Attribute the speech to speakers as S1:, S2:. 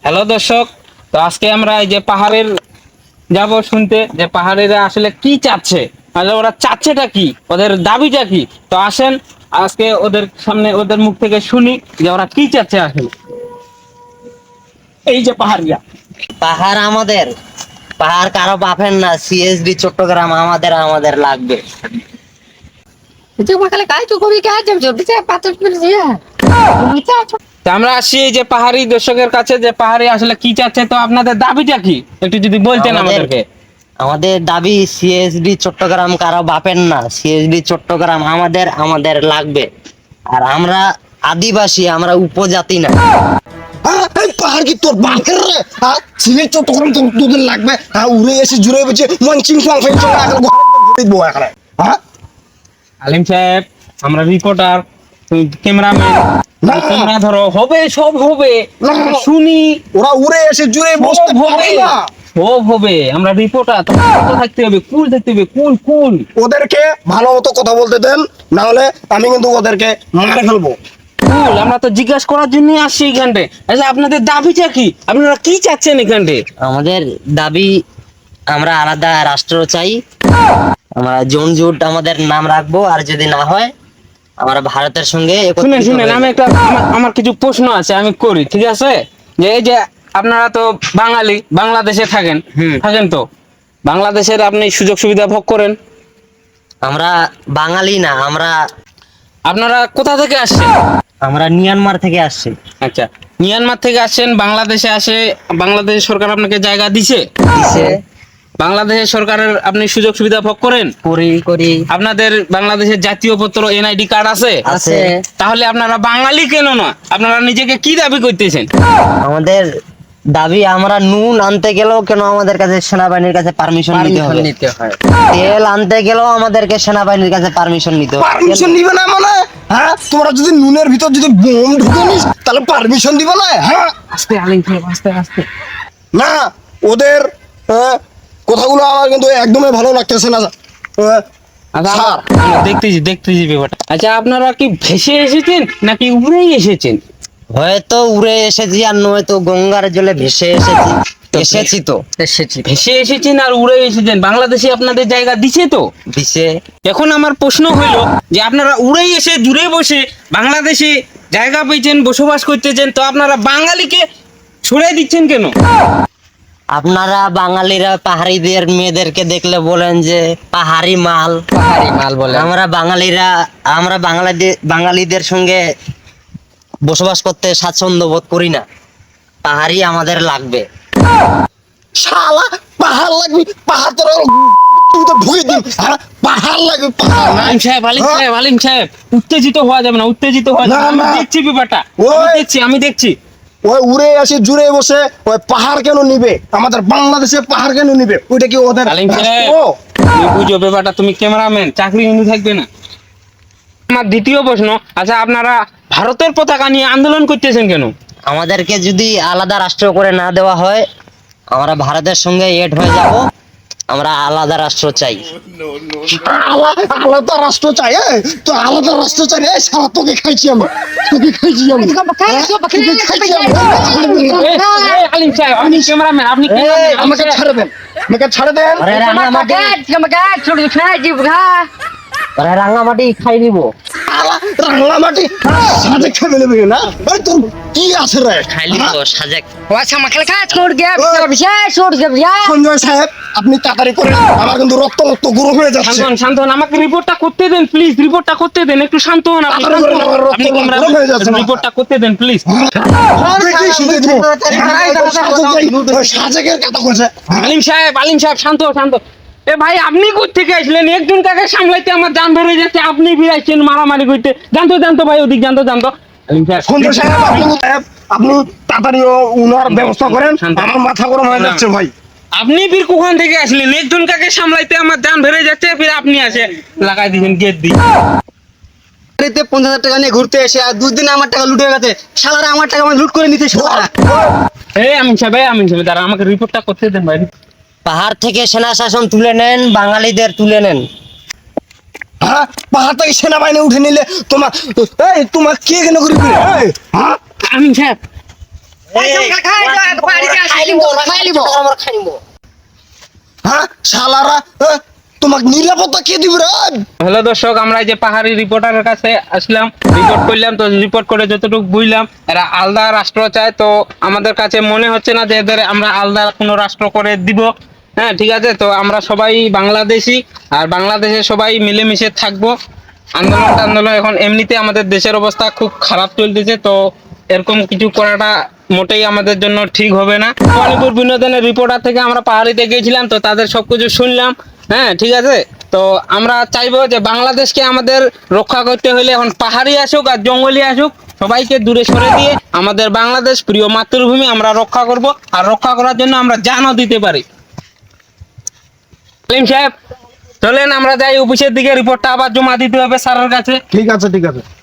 S1: Hello দর্শক, তো আজকে আমরা এই যে পাহাড়ের যাব শুনতে যে পাহাড়িরা আসলে কি চাচ্ছে, আসলে ওরা চাচ্ছেটা কি, ওদের দাবিটা কি। তো আসেন আজকে ওদের সামনে ওদের মুখ থেকে শুনি যে ওরা কি চাচ্ছে আসলে। এই যে পাহাড়িরা,
S2: পাহাড় আমাদের, পাহাড় কারো বাপের না। সিএসডি চট্টগ্রাম আমাদের, আমাদের লাগবে।
S1: তো আমরা আসি এই যে পাহাড়ি দর্শকের কাছে যে পাহাড়ি আসলে কি চাচ্ছে, তো আপনাদের দাবিটা কি একটু যদি বলতেন আমাদেরকে।
S2: আমাদের দাবি সিএসডি চট্টগ্রাম কারো বাপের না। সিএসডি চট্টগ্রাম আমাদের, আমাদের লাগবে। আর আমরা আদিবাসী, আমরা উপজাতি না।
S3: পাহাড় কি তোর বাপের রে? হ্যাঁ, সিলেট চট্টগ্রাম তোদের লাগবে? হ্যাঁ, উড়ে এসে জুড়ে বেঁচে মঞ্চিং হ্যাঁ।
S1: আলিম সাহেব, আমরা রিপোর্টার, ক্যামেরাম্যান,
S3: না।
S1: ক্যামেরা ধরো, হবে সব হবে,
S3: না।
S1: শুনি।
S3: ওরা উড়ে এসে জুড়ে বসতে পারে না।
S1: সব হবে, আমরা রিপোর্টার, তোমার থাকতে হবে, কুল থাকতে হবে, কুল কুল।
S3: ওদেরকে ভালো মতো কথা বলতে দেন, না হলে আমি কিন্তু ওদেরকে মারে ফেলবো।
S1: কুল, আমরা তো জিজ্ঞাসা করার জন্য আসছি এখানটে। আচ্ছা, আপনাদের দাবিটা কি, আপনারা কি চাচ্ছেন এখানটে?
S2: আমাদের দাবি, আমরা আলাদা রাষ্ট্র চাই। আমরা জোন জুট আমাদের নাম রাখবো, আর যদি না হয় আমরা ভারতের সঙ্গে
S1: শুনেন
S2: একত্রিত
S1: শুনেন,
S2: হয়ে
S1: আমি
S2: যাবো।
S1: একটা আমার কিছু প্রশ্ন আছে, আমি করি, ঠিক আছে? যে এই যে আপনারা তো বাঙালি, বাংলাদেশে থাকেন, থাকেন তো বাংলাদেশের আপনি সুযোগ সুবিধা ভোগ করেন।
S2: আমরা বাঙালি না, আমরা
S1: আপনারা কোথা থেকে আসছেন?
S2: আমরা মিয়ানমার থেকে আসছি।
S1: আচ্ছা, মিয়ানমার থেকে আসছেন, বাংলাদেশে আসে বাংলাদেশ সরকার আপনাকে জায়গা দিছে?
S2: দিছে।
S1: বাংলাদেশের সরকারের আপনি সুযোগ সুবিধা ভোগ করেন?
S2: করি।
S1: আপনাদের বাংলাদেশের জাতীয় পত্র এনআইডি কার্ড আছে?
S2: আছে।
S1: তাহলে আপনারা বাঙালি কেন না? আপনারা নিজেকে কি দাবি করতেছেন?
S2: আমাদের দাবি, আমরা নুন আনতে গেলেও কেন আমাদের কাছে সেনাবাহিনীর কাছে পারমিশন নিতে হয়। তেল আনতে গেলেও আমাদেরকে সেনাবাহিনীর কাছে পারমিশন নিতে হয়।
S3: পারমিশন নিবে না মানে? হ্যাঁ, তোমরা যদি নুনের ভিতর যদি বোম ঢুকে নিস তাহলে পারমিশন দিবে না? হ্যাঁ,
S1: আস্তে আলিম সাহেব, আস্তে আস্তে।
S3: না। ওদের কথাগুলো আমার কিন্তু একদমই ভালো লাগতেছে না।
S1: আচ্ছা,
S3: স্যার,
S1: আমরা দেখতেছি ব্যাপারটা। আচ্ছা, আপনারা কি ভেসে এসেছেন নাকি উড়েই এসেছেন?
S2: হয়তো উড়ে এসেছি, আর নয়তো গঙ্গার জলে ভেসে এসেছি তো।
S1: ভেসে এসেছেন আর উড়ে এসেছেন, বাংলাদেশে আপনাদের জায়গা দিছে তো?
S2: দিছে।
S1: এখন আমার প্রশ্ন হইল যে আপনারা উড়েই এসে দূরে বসে বাংলাদেশে জায়গা পেয়েছেন, বসবাস করতেছেন, তো আপনারা বাঙালিকে ছড়িয়ে দিচ্ছেন কেন?
S2: আপনারা বাঙালিরা পাহাড়িদের মেয়েদেরকে দেখলে বলেন যে পাহাড়ি মাল বলে। আমরা বাঙালিরা, আমরা বাঙালিদের সঙ্গে বসবাস করতে স্বাচ্ছন্দ্য বোধ করি না। পাহাড়ি আমাদের লাগবে।
S3: শালা, পাহাড় লাগবে? পাহাড় তোর ঢুকে দিন। হ্যাঁ, পাহাড় লাগবে, পাহাড়।
S1: আলিম সাহেব, উত্তেজিত হওয়া যাবে না, উত্তেজিত হওয়া যাবে না।
S3: না,
S1: আমি
S3: না।
S1: দেখছি ব্যাপারটা,
S3: ওই।
S1: আমি দেখছি।
S3: ওই উড়ে আসে জুড়ে বসে ওই পাহাড় কেন নিবে? আমাদের বাংলাদেশে পাহাড় কেন নিবে? ওইটা কি ওদের
S1: আলিম সাহেব,
S3: রাষ্ট্র?
S1: তুমি বুঝো ব্যাপারটা, তুমি ক্যামেরাম্যান, চাকরি কিন্তু থাকবে না। আমার দ্বিতীয় প্রশ্ন, আচ্ছা আপনারা ভারতের পতাকা নিয়ে আন্দোলন করতেছেন কেন?
S2: আমাদেরকে যদি আলাদা রাষ্ট্র করে না দেওয়া হয়, আমরা ভারতের সঙ্গে এড হয়ে যাব। আমরা আলাদা রাষ্ট্র চাই।
S3: আলাদা রাষ্ট্র চাই? তো আলাদা রাষ্ট্র চাই রে শালা, তোকে খাইছি আমি, তোকে খাইছি আমি।
S1: আলিম সাহেব, আপনি ক্যামেরাম্যান, আপনি cameraman,
S3: আমাকে ছেড়ে দেন, আমাকে ছেড়ে দেন।
S2: আরে রাঙামাটি খাই নিব।
S3: রাঙামাটি সাজে খেয়ে নেবে না? আরে তোর কি আছে রে?
S2: খাইলি তো সাজেক।
S3: সঞ্জয় সাহেব, আপনি তাড়াতাড়ি করেন, আমার কিন্তু রক্ত রক্ত গুঁড়ো হয়ে যাচ্ছে।
S1: শান্ত হন, আমাকে রিপোর্টটা করতে দেন প্লিজ, রিপোর্টটা করতে দেন, একটু শান্ত হন আপনি,
S3: তাড়াতাড়ি করেন, আমার রক্ত গরম হয়ে যাচ্ছে।
S1: রিপোর্টটা করতে দেন প্লিজ।
S3: সাজেকের কথা বলছে।
S1: আলিম সাহেব শান্ত শান্ত। এ ভাই, আপনি কোথেকে আসলেন? একজন কাকে সামলাইতে আমার জান ধরে যাচ্ছে, আপনি ফিরাইছেন মারামারি করতে। জানতো ভাই, ওদিক জানতো। আলিম সাহেব,
S3: সঞ্জয় সাহেব, আপনি তাড়াতাড়ি উনার ব্যবস্থা করেন, আমার মাথা গরম হয়ে যাচ্ছে ভাই।
S1: আপনি ফির কোখান থেকে আসলেন? একজন কাকে সামলাইতে আমার জান ধরে যাচ্ছে, ফির আপনি আসে লাগাই দিয়েছেন গেট দিয়ে।
S4: 50,000 টাকা নিয়ে ঘুরতে এসে আর 2 দিনে আমার টাকা লুট হয়ে গেছে। শালারা আমার টাকা লুট করে নিতে শালারা।
S1: আমিন সাহেব, দাঁড়া, আমাকে রিপোর্টটা করতে দেন ভাই।
S2: পাহাড় থেকে সেনা শাসন তুলে নেন, বাঙালিদের তুলে নেন।
S3: হ্যাঁ, পাহাড় থেকে সেনাবাহিনী উঠে নিলে তোমার কে কেন ঘুরবে? হ্যাঁ,
S1: আমিন সাহেব,
S3: হ্যাঁ শালারা তোমাকে নিরাপত্তা কে দিবে রে?
S1: হ্যালো দর্শক, আমরা এই যে পাহাড়ি রিপোর্টারের কাছে আসলাম, রিপোর্ট করলাম। তো রিপোর্ট করে যতটুকু বুঝলাম, এরা আলাদা রাষ্ট্র চায়। তো আমাদের কাছে মনে হচ্ছে না যে এদের আমরা আলাদা কোনো রাষ্ট্র করে দিব। হ্যাঁ ঠিক আছে, তো আমরা সবাই বাংলাদেশি, আর বাংলাদেশে সবাই মিলেমিশে থাকবো। আন্দোলন এখন এমনিতে আমাদের দেশের অবস্থা খুব খারাপ চলতেছে, তো এরকম কিছু করাটা মোটেই আমাদের জন্য ঠিক হবে না। মণিপুর বিনোদনের রিপোর্টার থেকে আমরা পাহাড়িতে গিয়েছিলাম, তো তাদের সবকিছু শুনলাম। হ্যাঁ ঠিক আছে, তো আমরা চাইবো যে বাংলাদেশকে আমাদের রক্ষা করতে হলে এখন পাহাড়ি আসুক আর জঙ্গলি আসুক, সবাইকে দূরে সরে দিয়ে আমাদের বাংলাদেশ প্রিয় মাতৃভূমি আমরা রক্ষা করব। আর রক্ষা করার জন্য আমরা জানও দিতে পারি। সাহেব চলেন আমরা যাই অফিসের দিকে, রিপোর্টটা আবার জমা দিতে হবে স্যারের কাছে।
S3: ঠিক আছে ঠিক আছে।